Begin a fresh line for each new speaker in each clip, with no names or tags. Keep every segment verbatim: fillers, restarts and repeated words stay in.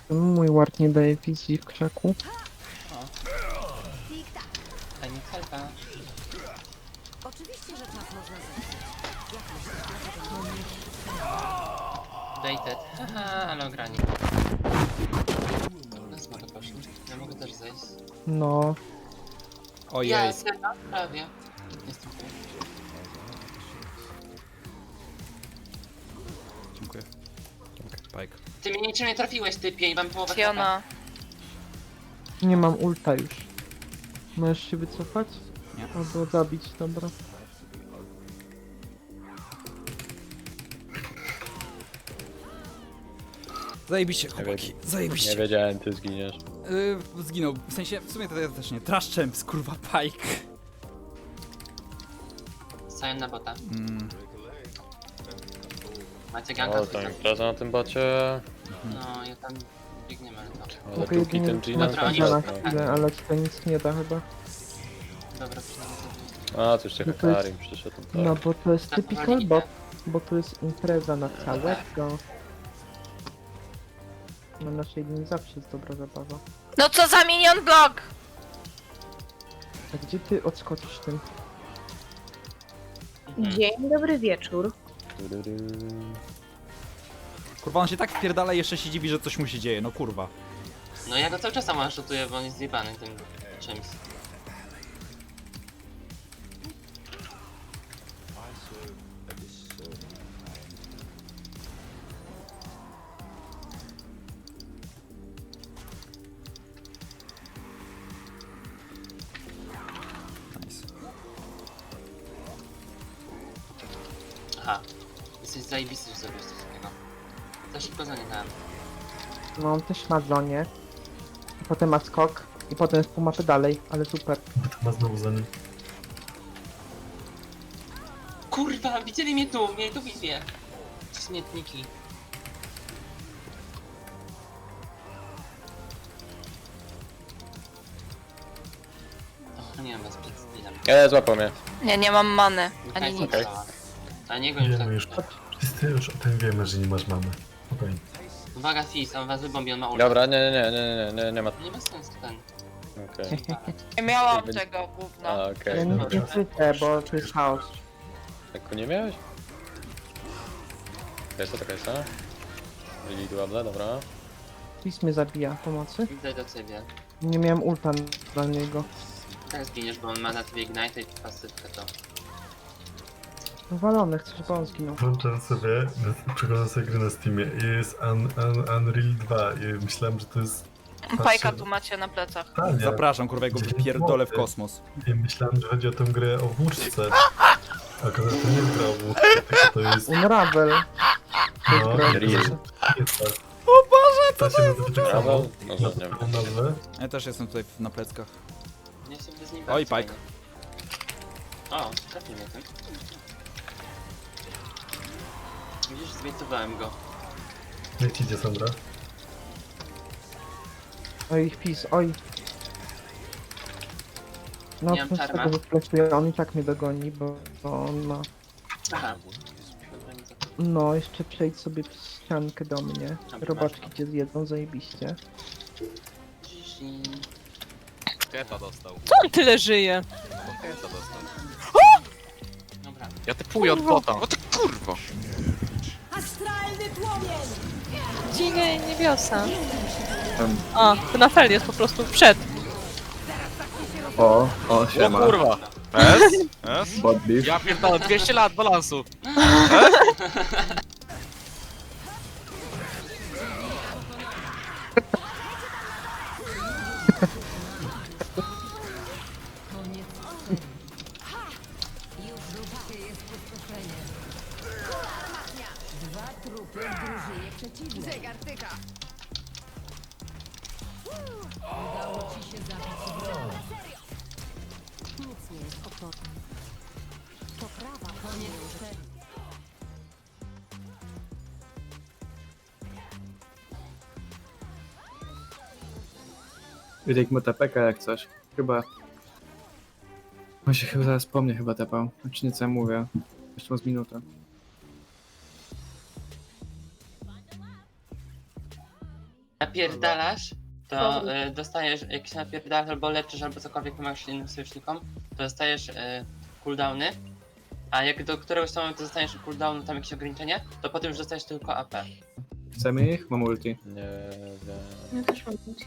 Mój ward nie daje wizji w krzaku.
O. Pani celka.
Oczywiście, że czas można zepsuć. Jak myślisz, dlaczego
Dated. Haha, ale ograni. Na smoka poszli. Ja mogę też zejść.
No,
Ojej.
Ja, serio? Prawie. Jestem tu.
Dziękuję. Dziękuję, Pike.
Ty mnie niczym nie trafiłeś, typie, i mam połowę
Fiona.
nie mam ulta już. Możesz się wycofać?
Nie.
Albo zabić, dobra.
Zajebiście, chłopaki.
Nie
Zajebiście.
wiedziałem, ty zginiesz.
Yy, zginął. W sensie, w sumie to ja też nie. Trash Champs, kurwa, Pike.
Sajem na bota.
Mm.
Macie ganka
O,
z
tam impreza na tym bacie.
No, ja tam biegniemy, ale to.
Ale
Mogę
długi
jedynie
ten Gina
Dobra,
trzymać
oni-
na chwilę, ale to nic nie da chyba.
Dobra, przynajmniej to.
A, to jeszcze
No to jest-
Hekarim przyszedł. Tak.
No bo to jest
Tak,
typical
powoli
bot,
idę.
bo to jest impreza na całego. Na naszej linii zawsze jest dobra zabawa.
No co za minion blok!
A gdzie ty odskoczysz tym?
Mhm.
Dzień dobry wieczór.
Tududu.
Kurwa, on się tak wpierdala i jeszcze się dziwi, że coś mu się dzieje, no kurwa.
No ja go cały czas sama szutuję, bo on jest zjebany tym czymś.
Nice.
Aha. Jesteś zajebisty, że zrobiłeś coś takiego. Za szybko za nie dałem.
No on też ma zonie. Potem ma skok. I potem jest pół mapy dalej, ale super.
Ma znowu za nim.
Kurwa, widzieli mnie tu, mieli tu wizję. Śmietniki. O, nie wiem, was przed stylem.
E, złapał mnie.
Nie, nie mam many. Ani
Ani
nic.
nic. A niego już tak.
Wiemy już, wszyscy już o tym wiemy, że nie masz mamy. Spokojnie.
Uwaga, Fizz, on was wybombi, on ma ulta.
Dobra, nie, nie, nie, nie, nie, nie, nie ma.
Nie ma sensu ten.
Okej.
Nie miałam tego gówna.
A,
Ja
okej.
nie,
dobra.
nie chwycę, bo to jest chaos.
Tak nie miałeś? Jest to taka jest, a? Byli duable, dobra.
Fizz mnie zabija, pomocy.
Idę do ciebie.
Nie miałem ulta dla niego.
Teraz zginiesz, bo on ma na tobie Ignite i pasywkę to.
Walony, chcę, żeby on zginął.
Włączam sobie, przeglądam sobie gry na Steamie i jest Un, Un, Unreal dwa i myślałem, że to jest...
Pajka tu macie na plecach.
Tania.
Zapraszam, kurwa, ja go wypierdolę w kosmos.
I myślałem, że chodzi o tę grę o włóczce. A akurat to nie jest gra o włóczce, tylko to jest...
Unravel.
No,
gra.
to jest jest tak.
O Boże,
Ta się nazywa tak samo.
Brawo. No,
Na
nie wiem.
tą nazwę.
Ja też jestem tutaj na pleckach.
Nie sobie z nim
Oj,
walczyć,
Pike.
no. O, trafił mnie ten. Widzisz, zwiecowałem go.
Jak ci idzie, Sandra?
Oj, Fizz, oj. No,
Nie mam
to z
czarma.
tego wyflaszuję, on i tak mnie dogoni, bo, bo on ma...
Aha. Dobra, nie za-
No, jeszcze przejdź sobie przez ściankę do mnie.
Dobra,
Robaczki
masz.
cię zjedzą, zajebiście.
Zizi.
Keta dostał.
Co on tyle żyje?
Keta dostał.
Dobra.
Ja typuję od bota. O ty kurwo!
Astralny płomień!
Dzień niebiosa. A, to na fel jest po prostu przed.
O, o,
O
siema.
kurwa! S? S?
Bodliw.
Ja pierdolę, dwieście lat balansu!
Zegar tyka! Udało ci się zabić wroga. Nic nie jest odporne. Poprawa koniec serii.
Wydek mu tapeka jak coś. Chyba... On się chyba zaraz po mnie chyba tepał. Znaczy nie co ja mówię. Jeszcze ma z minutę.
napierdalasz, to y, dostajesz, jak się napierdalasz albo leczysz, albo cokolwiek pomagasz innym sojusznikom, to dostajesz y, cooldowny, a jak do któregoś tam momentu dostaniesz cooldownu, tam jakieś ograniczenie, to potem już dostajesz tylko A P.
Chcemy ich? Mam ulti.
Nie wiem.
Ja też mam ulti.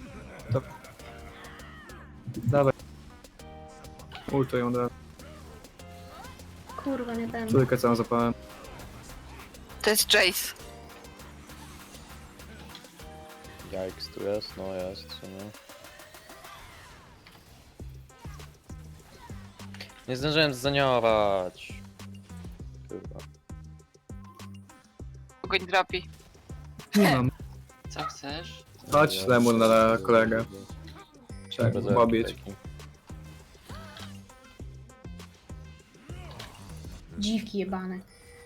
Dawaj. Ultuję od razu.
Kurwa, nie ten.
Trójkę całą zapałem.
To jest Jace.
Yikes, tu jest? No jest, w sumie. Nie zdążyłem zaniować. Kurwa.
Kogoś drapi.
Nie mam.
Co chcesz?
Chodź Lemur na kolegę. Trzeba go pobić.
Dziwki jebane.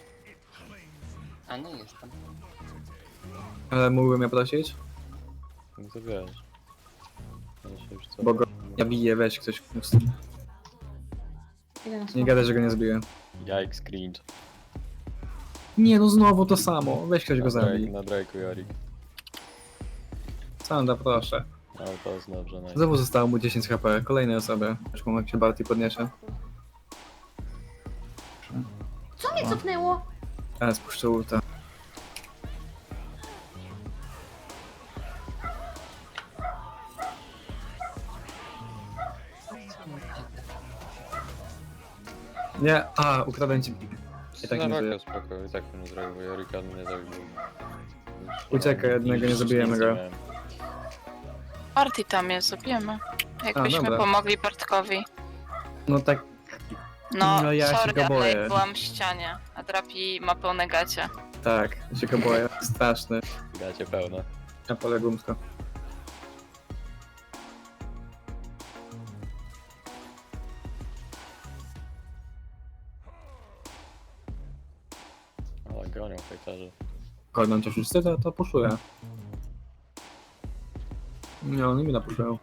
A no jestem.
Ale mógłbym ja prosić?
No to wiesz. Ja się już co...
Bo go ja biję, weź ktoś.
Idę na
Nie
smoka.
gadaj, że go nie zbiję.
Yikes, cringe.
Nie no znowu to samo. Weź ktoś go
Na Drake,
zabij.
na Drake'u Jorik.
Sanda, proszę.
Ale to jest dobrze, no.
Znowu zostało mu dziesięć H P. Kolejnej osobie. Już mam jak się Barty podniesie.
Co mnie cofnęło?
Ale spuszczę ulta. Nie, a, ukradłem ci. I tak
na
nie
raka
żyje.
spoko, i tak bym nie zrobił, bo Jorika mnie zabił.
Uciekaj, jednego nie zabijemy go.
Party tam jest, zabijemy. Jakbyśmy
dobra.
pomogli Bartkowi.
No tak,
No,
No ja się
sorry,
go
ale
boję.
ja byłam w ścianie, a Drapi ma pełne gacie.
tak, się go boję. Straszny.
Gacie pełne.
Na pole gumsko.
Ale gonią hejterzy.
Korną cię wszyscy, to, to puszuję. Nie, oni mi napuszują.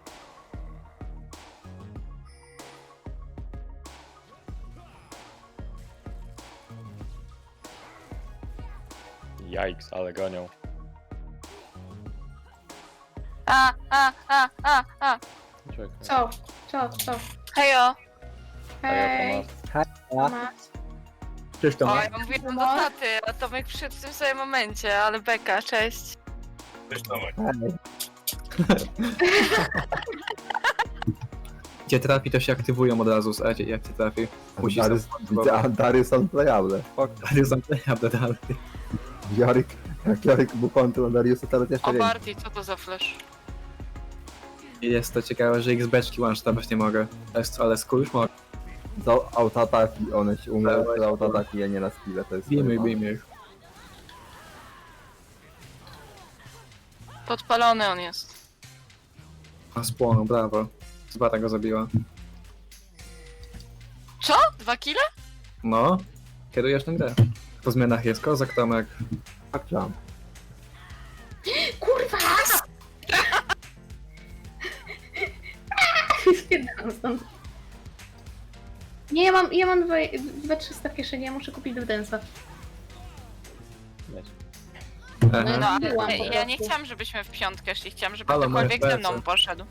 Yikes, ale gonią.
A, a, a, a, a.
Uciekaj.
Co? Co? Co?
Hejo.
Hej. Tomas.
Cześć
O,
Tomek.
ja mówiłam do taty, a Tomek przyszedł w tym samym momencie, ale beka, cześć.
Gdzie trafi, to się aktywują od razu, słuchajcie, jak cię trafi. Musisz
Darius, widzę, a Darius unplayable. Fuck.
Darius naprawdę dalej.
Jorik, jak Jorik był kontrą Dariusa, teraz jeszcze
O,
więcej.
Barty, co to za flash?
Jest to ciekawe, że X-beczki one-shotać nie mogę. Ale- Ale skór już mogę.
Za autoataki, one się umieją
Dawaj,
z autoataki, a nie na skille, to jest...
Bijmy, bijmy ich.
Podpalony on jest.
A spłonął, brawo. Zbata go zabiła.
Co? Dwa kile?
No, kierujesz tę grę. Po zmianach jest kozak, Tomek.
Tak, jump.
Kurwa! Spierdalam stąd. Nie, ja mam, ja mam dwa, dwa trzysta w kieszeni, ja muszę kupić do densa.
Aha.
No, ale
Byłam po
ja, ja nie
prostu.
chciałam, żebyśmy w piątkę szli, chciałam, żeby
Halo, moje
ktokolwiek ze
plecy.
mną poszedł.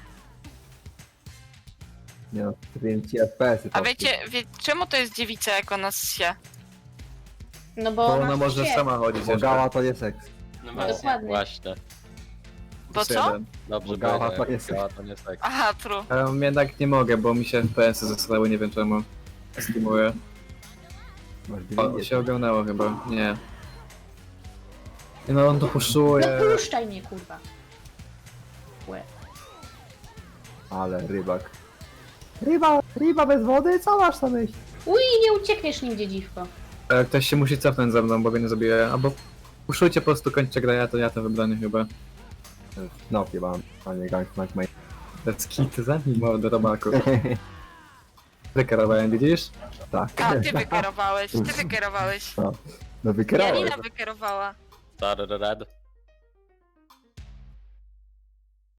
Nie no, zrobiłem ci F P S-y.
A wiecie, wie, czemu to jest dziewica, jak ona się?
No bo,
Bo ona
ma
może
się.
sama chodzić
Bo
jeszcze.
gała to jest seks.
No
No,
właśnie.
Dokładnie.
Właśnie.
Bo
Plus
co?
jeden.
Dobrze,
Bo gała
będzie,
to jest
gała to nie seks.
Aha, true.
Ale jednak nie mogę, bo mi się F P S-y zesrały, nie wiem czemu. Streamuję.
Masz
O,
dwie
się ogarnęło chyba, nie. No on to puszuje.
No puszczaj mnie, kurwa. Łe.
Ale rybak. Ryba, ryba bez wody? Co masz na myśli?
Uj, nie uciekniesz nim, dziedziwko.
E, Ktoś się musi cofnąć ze mną, bo mnie nie zabiję. Albo puszujcie po prostu, kończcie grę, ja to ja to wybranie chyba.
No, mam, a nie Gangplank Main.
Let's kit za nim, do robaku. Wykerowałem, widzisz?
Tak.
A, ty wykierowałeś, ty wykierowałeś.
No wykierałeś.
Janina wykierowała.
Tararad.